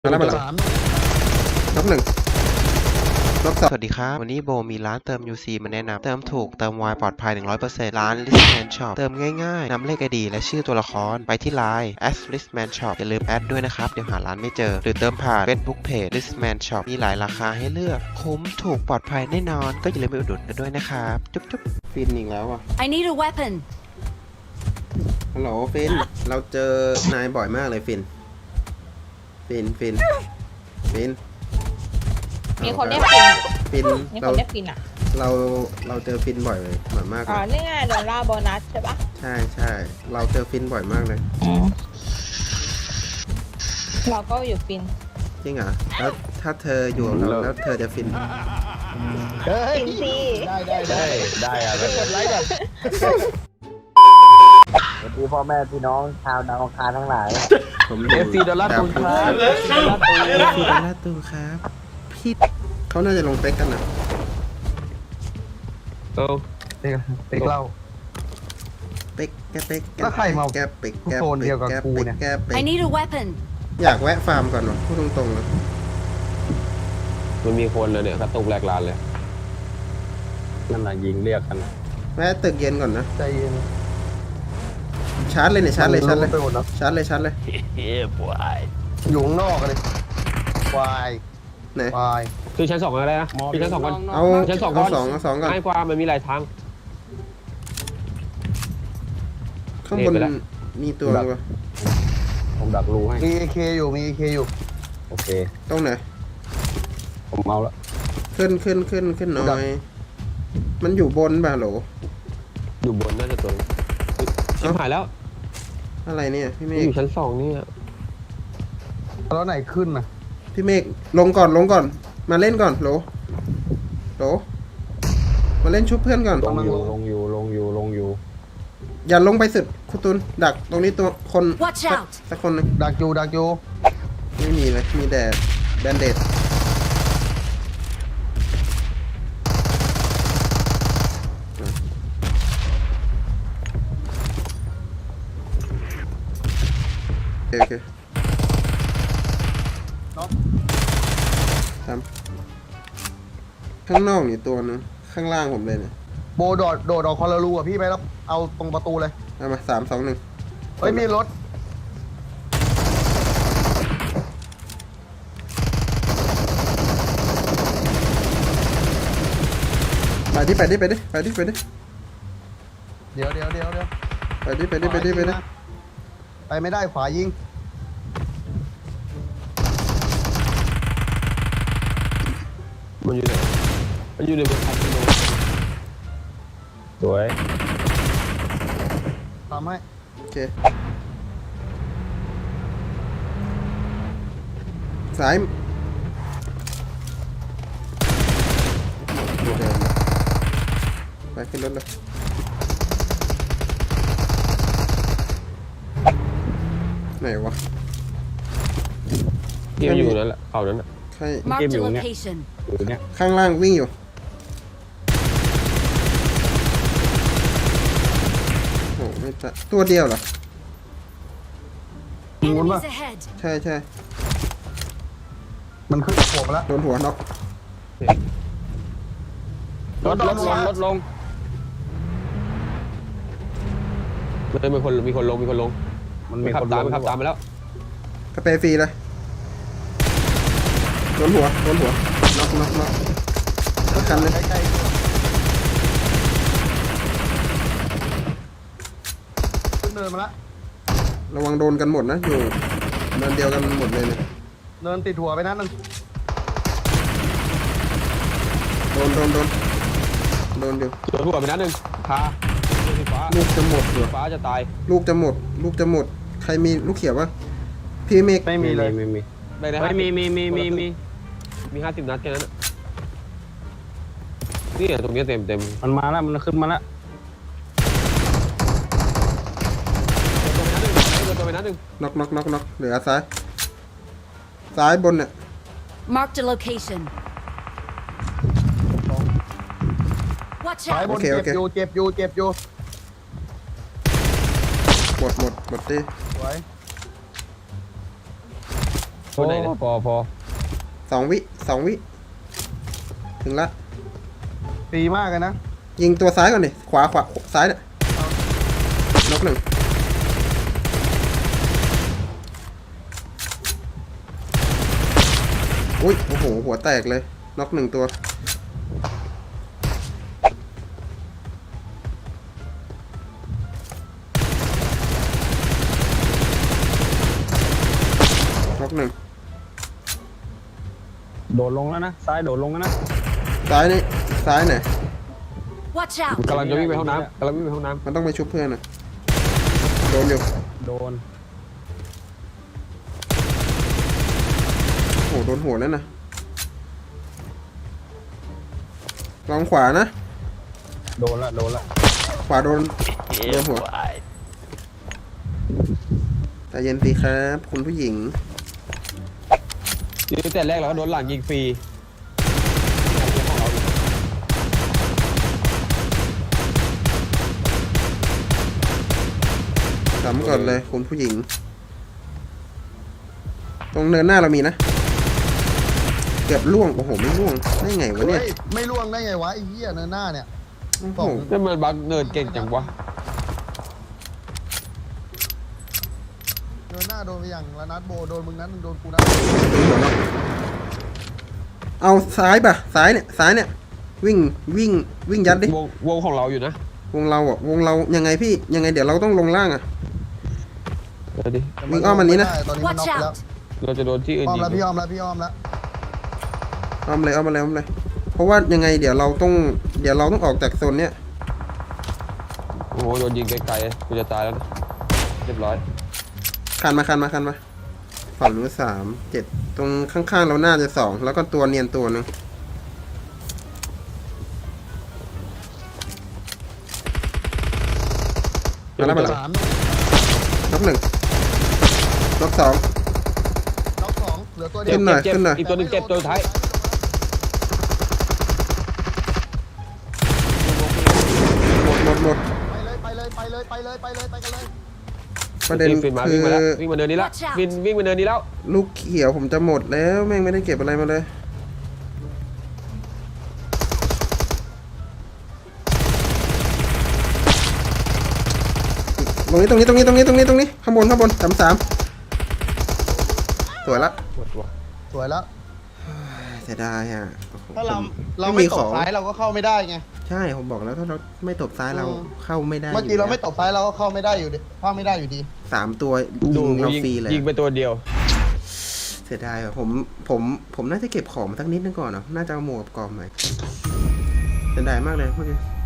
มาแล้วน็อกหนึ่งน็อกสองสวัสดีครับวันนี้โบมีร้านเติม UC มาแนะนำเติมถูกเติมไวปลอดภัย 100% ร้าน Listman Shop เติมง่ายๆนำเลข ID และชื่อตัวละครไปที่ Line @listman shop อย่าลืมแอดด้วยนะครับเดี๋ยวหาร้านไม่เจอหรือเติมผ่าน Facebook Page Listman Shop มีหลายราคาให้เลือกคุ้มถูกปลอดภัยแน่นอนก็อย่าลืมไปอุดหนุนกันด้วยนะครับจุ๊บๆฟินอีกแล้วอ่ะ I need a weapon. ฮัลโหลฟินเราเจอนายบ่อยมากเลยฟินมีคนเรียกฟินอ่ะฟินมีคเรานเรียกฟินอ่ะเราเจอฟินบ่อยมากเลอ๋อย นี่ไงโดนล่าโบนัสใช่ปะใช่เราเจอฟินบ่อยมากเลยเราก็อยู่ฟินจริงเหรอแล้วถ้าเธออยู่กับเราแล้วเธอจะฟินฟินสิได้อะกดไลค์ก่อนสวัสดีพ่อแม่พี่น้องชาวดาวอังคารทั้งหลายผม FC ดอลลาร์ตูนครับ FC ดอลลาร์ตูนครับพี่เขาน่าจะลงเป๊กกันนะเด็กเล่าเป๊กแกเป๊กแล้วใครมาแกเป๊กแกโซนเดียวกับกูเนี่ยแกเป๊ก I need a weapon. อยากแวะฟาร์มก่อนวะพูดตรงๆเลยมันมีคนเลยเนี่ยกระตุกแหลกลานเลยนั่นน่ะยิงเรียกกันแวะตึกเย็นก่อนนะใจเย็นชาร์จเลยเนี่ยชาร์จเลยไปหมดแล้วชาร์จเลยอยู่ข้างนอกเลยควายไหนควายคือชั้นสองอะไรนะคือชั้นสองก่อนเอาชั้นสองก่เอาอนสองก่อนง่ายกว่ามันมีหลายทางข้างบนเน็ตไปแล้วมีตัววะผมดักรูให้มี AK อยู่มี AK อยู่โอเคตรงไหนผมเอาละขึ้นหน่อย มันอยู่บนป่ะโหลอยู่บนน่าจะตัวนึงชิบหายแล้วอะไรเนี่ยพี่เมอฆยู่ชั้นสองนี่อะแล้วไหนขึ้นน่ะพี่เมฆลงก่อนมาเล่นก่อนโหลมาเล่นชุบเพื่อนก่อนลงอยู่อย่าลงไปสุดคุณตุนดักตรงนี้ตัวคน Watch out สักคนหนึงดักอยู่ไม่มีเลยมีแต่แบนเดดโอเคทำข้างนอกนี่ตัวนึงข้างล่างผมเลยเนี่ยโบโดดออกคอร์ลูอ่ะพี่ไปแล้วเอาตรงประตูเลยเอามา3 2 1 เฮ้ยมีรถไปดิเดี๋ยวไปดิไปไม่ได้ขวายิงมันอยู่ไหนมันอยู่ในบนพัดลมสวยทำให้โอเคซ้ายเดินไปขึ้นรถเลยไหนวะที่มันอยู่นั่นแหละเขานั้นน่ะใคร Marked a location. อยู่เนี่ยข้างล่างวิ่งอยู่โอ้ไม่ตะตัวเดียวเหรอ Enemies ahead. ใช่มันขึ้นหัวมาแล้วโดนหัวน็อกลดลงเลยมีคนลงมันขับตามมาแล้วกระเปรย์ฟรีเลยโดนหัวน็อกสักคันเลยใกล้ขึ้นเนินมาแล้วระวังโดนกันหมดนะอยู่เนินเดียวกันหมดเลยเนี่ยเนินติดหัวไปนัดนึงโดนอยู่โดนหัวไปนัดหนึ่งคาสีฟ้าลูกจะหมดเหรอฟ้าจะตายลูกจะหมดใครมีลูกเขียวปะพี่เมฆไม่มีเลยได้นะไม่มี 50 นัดแค่นั้นอะนี่ตรงนี้เต็มมันมาแล้วมันขึ้นมาแล้วตัวไปนัดหนึ่งน็อกเหลือซ้ายบนเนี่ย Marked a location. Watch สาย out. บนเจ็บอยู่หมดดิสวยโอ้นไหนเนี่ยพอ 2 วิ ถึงละตีมากเลยนะยิงตัวซ้ายก่อนดิขวาซ้ายเนี่ยน็อกหนึ่งอุ้ยโอ้โหหัวแตกเลยน็อกหนึ่งตัวน็อกหนึ่งโดดลงแล้วนะซ้ายโดดลงแล้วนะซ้ายนี่ซ้ายไหน Watch out! กำลังจะวิ่งไปห้องน้ำกำลังวิ่งไปห้องน้มันต้องไปชุบเพื่อนนะโดนอยู่ำโดนโอ้โหโดนหัวแล้วนะลองขวานะโดนละขวาโดนหัวแต่เย็นดีครับคุณผู้หญิงยิงแต่แรกเราก็โดนหลังยิงฟรีสำก่อนเลยคุณผู้หญิง ตรงเนินหน้าเรามีนะ เกือบล่วง โอ้โห ไม่ล่วง ได้ไงวะเนี่ยเฮ้ยไม่ล่วงได้ไงวะไอ้เหี้ยเนินหน้าเนี่ยโอ้โหนี่มันบักเนิร์ดเก่งจังวะเนินหน้าโดนไปอย่างละนัดโบโดนมึงนั้นมึงโดนกูนะเอาซ้ายป่ะ ซ้ายเนี่ย วิ่งยัดดิวงของเราอยู่นะวงเราอ่ะ วงเรายังไงพี่ ยังไงเดี๋ยวเราต้องลงล่างอ่ะเดี๋ยวดิวิ่งอ้อมอันนี้นะตอนนี้มัน Watch น็อกไปแล้ว out! เราจะโดนที่อื่นอ้อมยิงแล้วพี่อ้อมแล้วพี่อ้อมแล้วเอามาเลย เพราะว่ายังไงเดี๋ยวเราต้องออกจากโซนเนี้ยโอ้โหโดนยิงไกลๆกูจะตายแล้วนะเรียบร้อยคันมาฝั่งนู้น7 ตรงข้างๆเราน่าจะ2แล้วก็ตัวเนียนตัวหนึงมาแล้วสามน็อก1น็อก2 น็อกสองเหลือตัวเดียขึ้วนหน่อยเจ็บขึ้นหน่อยอีกตัวหนึงเจ็บตัวสุดท้ายหมดไปเลยไปกันเลยประเด็นฟินมาคืวิ่งอมาแล้ววิ่งมาเนินนี้แล้ว Watch out วิ่งมาเนินนี้แล้วลูกเขียวผมจะหมดแล้วแม่งไม่ได้เก็บอะไรมาเลยตรงนี้ข้างบน3สวยละหมดตัวสวยแล้วเสียดายอ่ะโอ้โหถ้าเราผมเราไม่ไม่มีตขบองซ้ายเราก็เข้าไม่ได้ไงใช่ผมบอกแล้วถ้าเราไม่ตบซ้ายเราเข้าไม่ได้เมื่อกี้เราไม่ยู่ตบซ้ายเราก็เข้าไม่ได้อยู่ดีเข้าไม่ได้อยู่ดีแล้ว3ตัวยิงเราฟรีเลยยิงไปตัวเดียวเสียดายว่ะผมน่าจะเก็บของมาสักนิดนึงก่อนเนาะน่าจะเอาหมวกกับกรอบใหม่เสียดายมากเลยเมื่อกี้